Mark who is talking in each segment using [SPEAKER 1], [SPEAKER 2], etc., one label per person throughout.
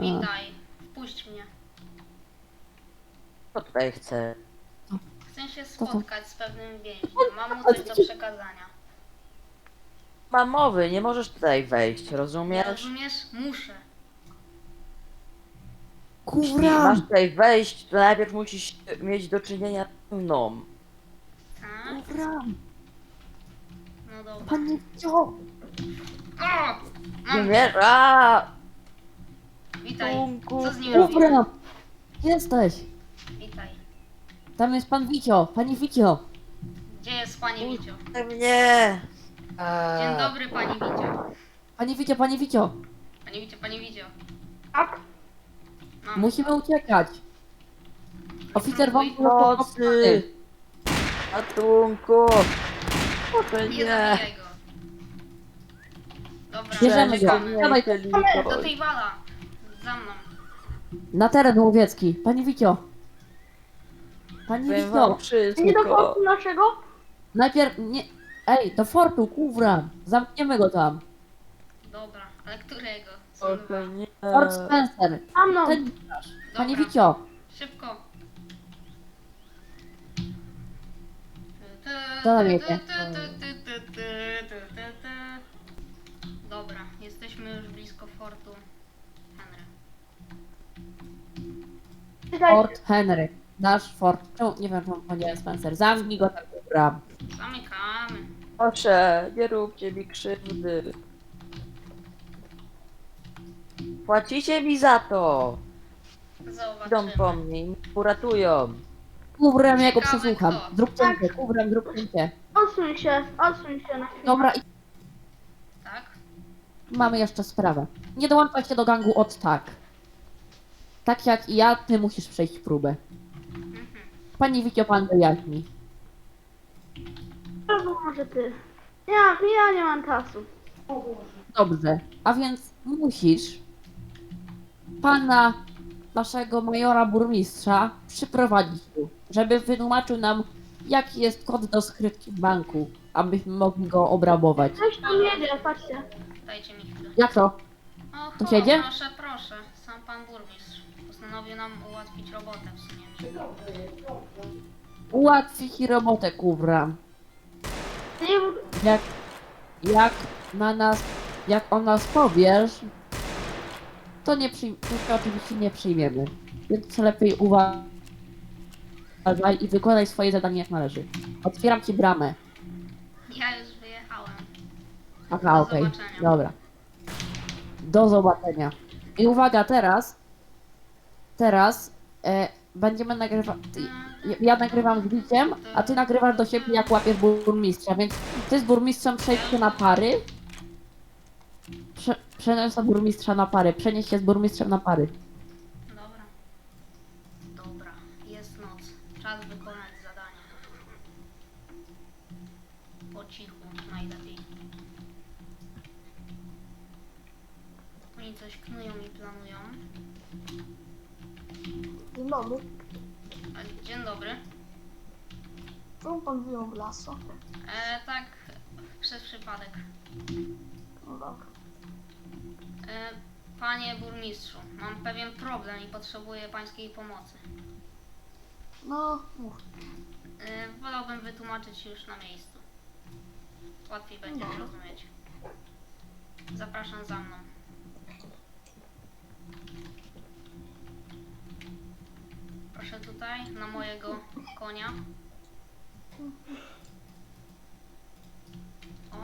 [SPEAKER 1] Witaj, wpuść mnie.
[SPEAKER 2] Co tutaj chcę?
[SPEAKER 1] Chcę się
[SPEAKER 3] To co?
[SPEAKER 1] spotkać z pewnym więźniem. Mam mu coś do przekazania.
[SPEAKER 2] Mam mowy, nie możesz tutaj wejść,
[SPEAKER 1] Nie
[SPEAKER 2] rozumiesz?
[SPEAKER 1] rozumiesz? Muszę.
[SPEAKER 2] Jeśli
[SPEAKER 3] Kurwa!
[SPEAKER 2] masz tutaj wejść, to najpierw musisz mieć do czynienia ze mną.
[SPEAKER 1] Tak?
[SPEAKER 3] Kurwa!
[SPEAKER 1] No dobra.
[SPEAKER 3] Panie Wcio!
[SPEAKER 1] O! Mam
[SPEAKER 2] Nie,
[SPEAKER 1] cię. Witaj.
[SPEAKER 2] Tunku,
[SPEAKER 1] Co z nim robimy?
[SPEAKER 3] Kurwa! Gdzie jesteś?
[SPEAKER 1] Witaj.
[SPEAKER 3] Tam jest pan Wicio! Panie Wicio!
[SPEAKER 1] Gdzie jest pani Wicio?
[SPEAKER 2] mnie!
[SPEAKER 1] Dzień dobry, pani Wicio.
[SPEAKER 3] Panie Wicio, panie Wicio!
[SPEAKER 1] Pani Wicio, pani Wicio.
[SPEAKER 4] Tak?
[SPEAKER 1] Mam.
[SPEAKER 3] Musimy uciekać! Oficer wam
[SPEAKER 2] Pomocy! Ratunku! Proszę
[SPEAKER 1] Nie
[SPEAKER 2] nie!
[SPEAKER 1] zabijaj go. Dobra,
[SPEAKER 3] Bierzemy go.
[SPEAKER 1] czekamy.
[SPEAKER 3] Dawaj.
[SPEAKER 1] Do tej wala. Za mną.
[SPEAKER 3] Na teren łowiecki! Panie Wicio! Panie
[SPEAKER 2] Powiem wam
[SPEAKER 3] Wicio!
[SPEAKER 2] wszystko.
[SPEAKER 4] Nie do portu naszego?
[SPEAKER 3] Najpierw nie... Ej, do fortu, kurwa! Zamkniemy go tam!
[SPEAKER 1] Dobra, ale którego? Są dwa.
[SPEAKER 2] Proszę nie.
[SPEAKER 3] Fort Spencer!
[SPEAKER 4] A no.
[SPEAKER 3] Ten... Panie
[SPEAKER 1] Dobra.
[SPEAKER 3] Wicio!
[SPEAKER 1] Szybko.
[SPEAKER 3] Co tam jedzie?
[SPEAKER 1] Dobra, jesteśmy już blisko fortu Henry.
[SPEAKER 4] Czekaj,
[SPEAKER 3] Fort Henry. Nasz fort. Czemu nie wiem, czemu powiedziałem Spencer. Zamknij go tak, kurwa.
[SPEAKER 1] Zamykamy.
[SPEAKER 2] Proszę, nie róbcie mi krzywdy. Płacicie mi za to. Idą
[SPEAKER 1] Zobaczymy.
[SPEAKER 2] po mnie i mnie uratują.
[SPEAKER 3] Kubrem, ja go
[SPEAKER 1] Ciekawe
[SPEAKER 3] przesłucham.
[SPEAKER 1] kto.
[SPEAKER 3] Zrób cięcie, kubrem, zrób cięcie.
[SPEAKER 4] odsuń się na chwilę.
[SPEAKER 3] Dobra, i
[SPEAKER 1] Tak?
[SPEAKER 3] mamy jeszcze sprawę. Nie dołączaj się do gangu od tak. Tak jak i ja, ty musisz przejść próbę.
[SPEAKER 1] Mhm.
[SPEAKER 3] Pani Wicio, pan wyjaśni.
[SPEAKER 4] Albo może ty. Ja nie mam czasu.
[SPEAKER 3] Dobrze. A więc musisz pana, naszego majora burmistrza, przyprowadzić tu, żeby wytłumaczył nam, jaki jest kod do skrytki w banku, abyśmy mogli go obrabować.
[SPEAKER 4] Coś tam jedzie, patrzcie.
[SPEAKER 1] Dajcie mi chwilę.
[SPEAKER 3] Jak to?
[SPEAKER 1] O,
[SPEAKER 3] To siedzie?
[SPEAKER 1] proszę, proszę. Sam pan burmistrz postanowił nam ułatwić robotę w sumie.
[SPEAKER 3] Ułatwi ci robotę, kubra.
[SPEAKER 4] Nie,
[SPEAKER 3] Jak na nas, jak o nas powiesz, to nie to oczywiście nie przyjmiemy. Więc lepiej uważaj i wykonaj swoje zadanie jak należy. Otwieram ci bramę.
[SPEAKER 1] Ja już wyjechałem.
[SPEAKER 3] Aha,
[SPEAKER 1] Do
[SPEAKER 3] okej.
[SPEAKER 1] zobaczenia.
[SPEAKER 3] Dobra. Do zobaczenia. I uwaga, teraz będziemy nagrywać. Ja nagrywam z Biciem, a ty nagrywasz do siebie, jak łapiesz burmistrza, więc ty z burmistrzem przejdź się na pary. Przeniosę burmistrza na pary. Przenieś się z burmistrzem na pary.
[SPEAKER 1] Dobra. Dobra, jest noc. Czas wykonać zadanie. Po cichu najlepiej. Oni coś knują i planują.
[SPEAKER 5] Dzień dobry.
[SPEAKER 1] Dzień dobry.
[SPEAKER 5] Czemu pan wyjął w lasu?
[SPEAKER 1] Tak, przez przypadek.
[SPEAKER 5] No dobra.
[SPEAKER 1] Panie burmistrzu, mam pewien problem i potrzebuję pańskiej pomocy.
[SPEAKER 5] No, mów.
[SPEAKER 1] Wolałbym wytłumaczyć już na miejscu. Łatwiej będzie
[SPEAKER 5] Dobra.
[SPEAKER 1] zrozumieć. Zapraszam za mną. Proszę tutaj, na mojego konia. O.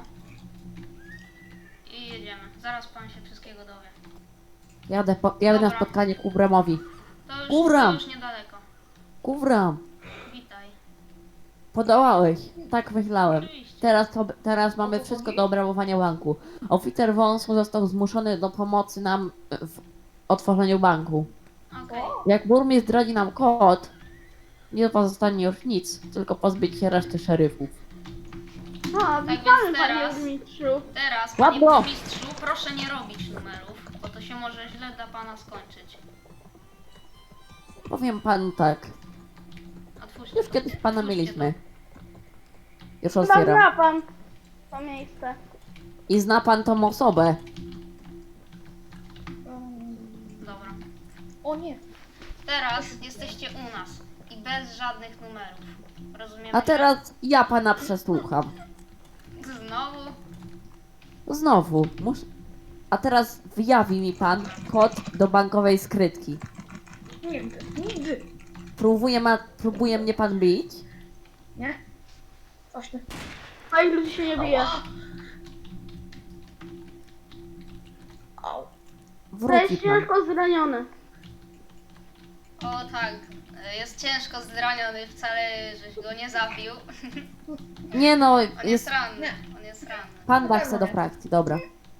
[SPEAKER 1] I jedziemy. Zaraz pan się wszystkiego dowie.
[SPEAKER 3] Jadę na
[SPEAKER 1] Dobra.
[SPEAKER 3] spotkanie ku Bramowi.
[SPEAKER 1] To
[SPEAKER 3] Kubram!
[SPEAKER 1] już niedaleko.
[SPEAKER 3] Kubram,
[SPEAKER 1] Witaj.
[SPEAKER 3] podołałeś. Tak myślałem.
[SPEAKER 1] Oczywiście.
[SPEAKER 3] Teraz mamy wszystko do obrabowania banku. Oficer Wąsu został zmuszony do pomocy nam w otworzeniu banku.
[SPEAKER 1] Okej.
[SPEAKER 3] Jak burmistrz zdradzi nam kod, nie pozostanie już nic, tylko pozbyć się reszty szeryfów.
[SPEAKER 4] a
[SPEAKER 1] więc
[SPEAKER 4] witamy panie
[SPEAKER 1] teraz-
[SPEAKER 4] burmistrzu.
[SPEAKER 1] Teraz, panie
[SPEAKER 3] Ładno.
[SPEAKER 1] burmistrzu, proszę nie robić numerów, bo to się może źle dla pana skończyć.
[SPEAKER 3] Powiem panu tak,
[SPEAKER 1] Otwórzcie
[SPEAKER 3] już
[SPEAKER 1] to.
[SPEAKER 3] kiedyś pana
[SPEAKER 1] Otwórzcie
[SPEAKER 3] mieliśmy. Już
[SPEAKER 4] Chyba
[SPEAKER 3] otwieram.
[SPEAKER 4] zna pan to miejsce.
[SPEAKER 3] I zna pan tą osobę.
[SPEAKER 1] Dobra.
[SPEAKER 5] O nie.
[SPEAKER 1] Teraz jesteście u nas i bez żadnych numerów. Rozumiemy?
[SPEAKER 3] A
[SPEAKER 1] się?
[SPEAKER 3] teraz ja pana przesłucham.
[SPEAKER 1] Znowu?
[SPEAKER 3] Znowu. A teraz wyjawi mi pan kod do bankowej skrytki.
[SPEAKER 4] Nigdy. Nigdy.
[SPEAKER 3] Próbuje mnie pan bić?
[SPEAKER 4] Nie?
[SPEAKER 5] Właśnie.
[SPEAKER 4] A i ludzi się nie bije.
[SPEAKER 5] Au.
[SPEAKER 4] To
[SPEAKER 3] Wróci
[SPEAKER 4] jest
[SPEAKER 3] pan.
[SPEAKER 4] ciężko zraniony.
[SPEAKER 1] O tak, jest ciężko zraniony, wcale żeś go nie zabił.
[SPEAKER 3] Nie no,
[SPEAKER 1] On jest
[SPEAKER 3] jest...
[SPEAKER 1] ranny, on jest ranny.
[SPEAKER 3] Panda chce do frakcji, dobra.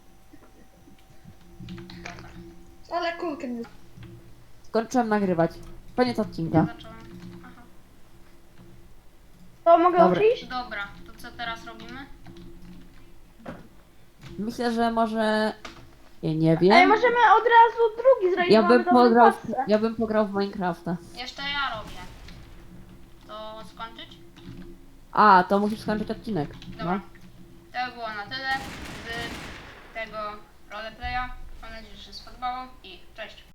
[SPEAKER 5] Ale kulkę nie...
[SPEAKER 3] Skończyłem nagrywać. Koniec odcinka.
[SPEAKER 1] Zacząłem. Aha.
[SPEAKER 4] To mogę
[SPEAKER 3] Dobra.
[SPEAKER 4] już iść?
[SPEAKER 1] Dobra, to co teraz robimy?
[SPEAKER 3] Myślę, że może... Ja nie
[SPEAKER 4] Ej,
[SPEAKER 3] wiem.
[SPEAKER 4] możemy od razu drugi zrobić.
[SPEAKER 3] Ja
[SPEAKER 4] mamy
[SPEAKER 3] bym,
[SPEAKER 4] dobrą
[SPEAKER 3] pograł,
[SPEAKER 4] pasę.
[SPEAKER 3] ja bym pograł w Minecrafta.
[SPEAKER 1] Jeszcze ja robię. To skończyć?
[SPEAKER 3] A, to musisz skończyć odcinek.
[SPEAKER 1] Dobra.
[SPEAKER 3] No.
[SPEAKER 1] To by było na tyle z tego roleplaya. Mam nadzieję, że się spodobało i cześć.